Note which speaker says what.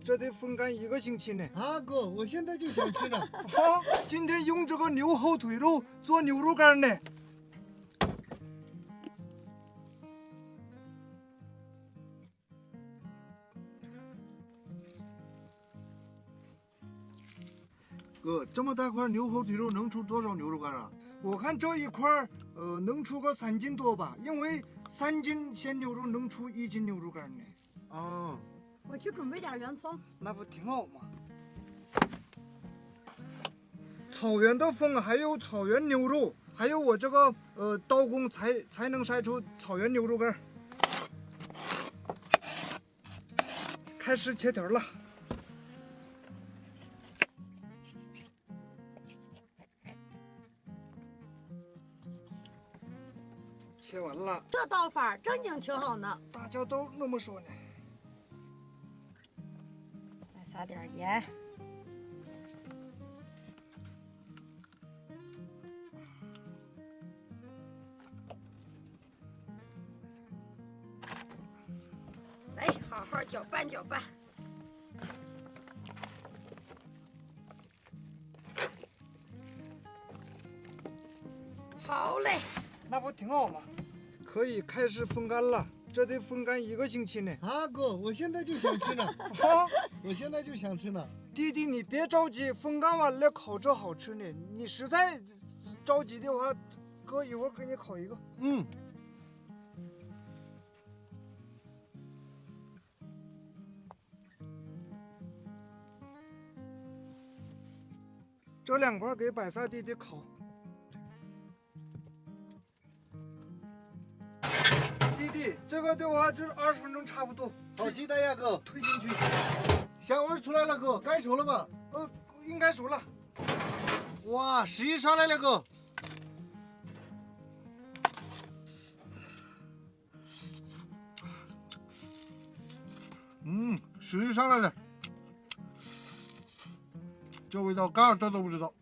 Speaker 1: 这得风干1个星期呢。
Speaker 2: 啊，哥，我现在就想吃呢。
Speaker 1: 好，今天用这个牛后腿肉做牛肉干呢。
Speaker 2: 哥，这么大块牛后腿肉能出多少牛肉干啊？
Speaker 1: 我看这一块儿，能出个3斤多吧，因为3斤鲜牛肉能出1斤牛肉干呢。
Speaker 2: 啊，
Speaker 3: 我去准备点圆葱。
Speaker 1: 那不挺好吗？草原的风，还有草原牛肉，还有我这个刀工才能筛出草原牛肉干。开始切条了。切完了，
Speaker 3: 这刀法正经挺好呢。
Speaker 1: 大家都那么说呢。
Speaker 3: 再撒点盐。来，好好搅拌搅拌。好嘞。
Speaker 1: 那不挺好吗？可以开始风干了，这得风干1个星期呢。
Speaker 2: 啊，哥，我现在就想吃呢。
Speaker 1: 好，
Speaker 2: 我现在就想吃呢。
Speaker 1: 弟弟你别着急，风干完了烤着好吃呢。你实在着急的话，哥一会儿给你烤一个。
Speaker 2: 嗯。
Speaker 1: 这2块给百萨弟弟烤。弟弟，这个的话就是20分钟差不多。
Speaker 2: 好期待呀，哥！
Speaker 1: 推进去。
Speaker 2: 香味出来了，哥，该熟了吧？
Speaker 1: 应该熟了。
Speaker 2: 哇，食欲上来了，哥。食欲上来了。这味道，刚这都不知道。